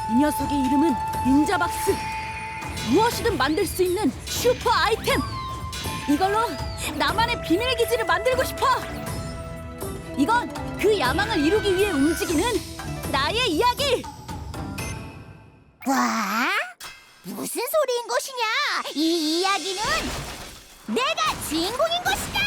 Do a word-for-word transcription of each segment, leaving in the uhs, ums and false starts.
이 녀석의 이름은 닌자박스. 무엇이든 만들 수 있는 슈퍼 아이템. 이걸로 나만의 비밀 기지를 만들고 싶어. 이건 그 야망을 이루기 위해 움직이는 나의 이야기. 와? 무슨 소리인 것이냐? 이 이야기는 내가 주인공인 것이다!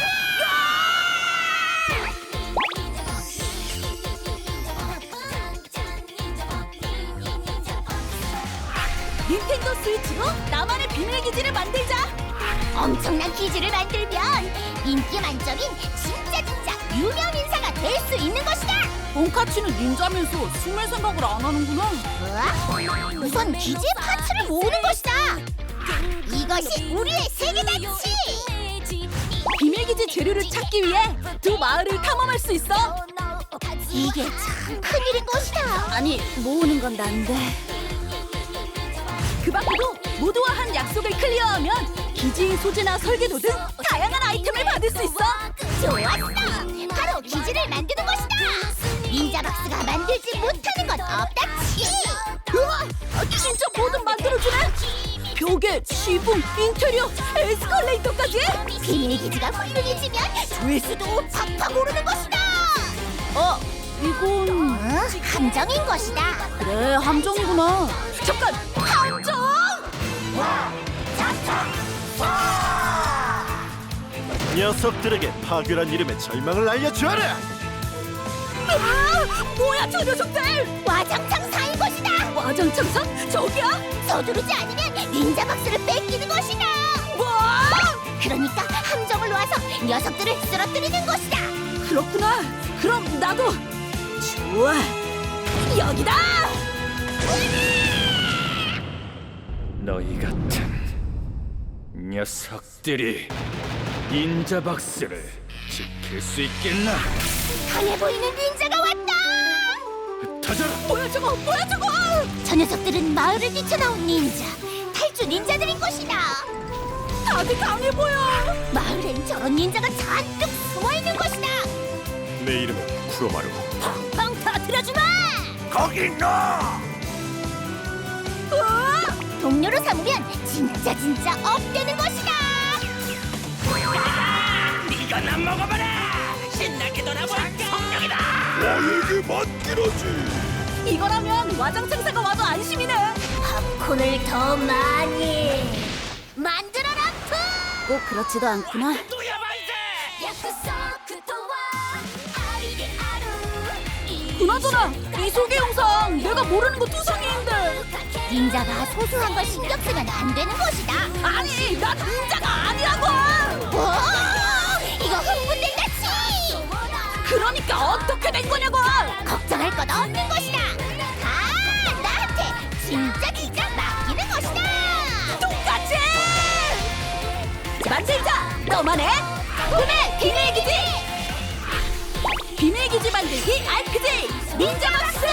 닌텐도 스위치로 나만의 비밀 기지를 만들자. 엄청난 기지를 만들면 인기 만점인 진짜 진짜 유명 인사가 될 수 있는 것이다! 돈카츠는 닌자면서 숨을 생각을 안 하는구나. 우와? 우선 기지의 파츠를 모으는 것이다! 이것이 우리의 세계다치! 비밀 기지 재료를 찾기 위해 두 마을을 탐험할 수 있어. 이게 참 큰일인 것이다! 아니, 모으는 건 난데. 그 밖에도 모두와 한 약속을 클리어하면 기지의 소재나 설계도 등 다양한 아이템을 받을 수 있어. 좋았어! 바로 기지를 만드는 것이다! 닌자박스가 만들지 못하는 건 없다치! 우와, 진짜 뭐든 만들어주네. 벽에 지붕, 인테리어, 에스컬레이터까지. 비밀 기지가 훌륭해지면 조회수도 팍팍 오르는 것이다! 어, 이건 어? 함정인 것이다! 그래, 함정이구나. 잠깐, 함정! 녀석들에게 파괴란 이름의 절망을 알려주어라! 아, 뭐야 저 녀석들! 와장창 사인 것이다! 와장창사? 저기야? 서두르지 않으면 닌자박스를 뺏기는 것이다! 뭐? 그러니까 함정을 놓아서 녀석들을 쓰러뜨리는 것이다! 그렇구나. 그럼 나도. 좋아. 여기다. 너희 같은 녀석들이 닌자박스를 지킬 수 있겠나? 강해 보이는 닌자가 왔다! 터져라! 뭐야 저거? 뭐야 저거? 저 녀석들은 마을을 뛰쳐나온 닌자, 탈주 닌자들인 것이다! 다들 강해 보여. 마을엔 저런 닌자가 잔뜩 숨어있는 것이다! 내 이름은 쿠로마루. 펑펑 터뜨려주마! 거기 너! 어? 동료로 삼으면 진짜 진짜 업되는 것이다! 네가 난 먹어봐라! 신나게 놀아볼까? 성령이다! 나에게 맡기라지! 이거라면 와장창사가 와도 안심이네. 팝콘을 더 많이 만들어라 푸! 꼭 그렇지도 않구나. 그나저나 이 소개 영상 내가 모르는 거 투성이인데. 닌자가 소소한 걸 신경 쓰면 안 되는 것이다! 아니, 난 닌자가 아니라고. 오! 이거 흥분된다치! 그러니까 어떻게 된 거냐고. 걱정할 것 없는 것이다! 다 나한테 진짜 진짜 맡기는 것이다! 똑같이 만들자. 너만의 꿈의 비밀 기지. 비밀 기지 만들기 알피지 닌자박스.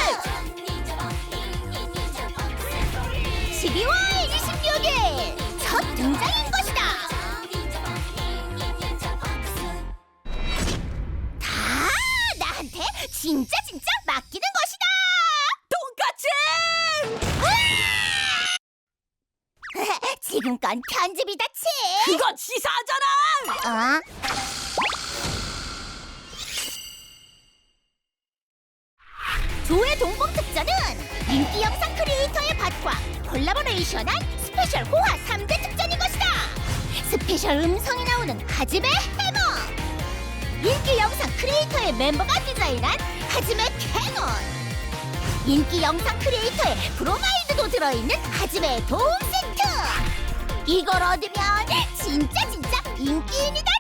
십이월 이십육 일 첫 등장인 것이다! 다 나한테 진짜 진짜 맡기는 것이다! 똑같이. 지금 건 편집이다 치! 그건 치사하잖아. 어? 조회 동봉 특전은 인기 영상 크리에이터의 밭과 콜라보레이션한 스페셜 호화 삼 대 특전인 것이다! 스페셜 음성이 나오는 하즈메 해머! 인기 영상 크리에이터의 멤버가 디자인한 하즈메 캐논! 인기 영상 크리에이터의 브로마이드도 들어있는 하즈메 도움 세트! 이걸 얻으면 진짜 진짜 인기인이다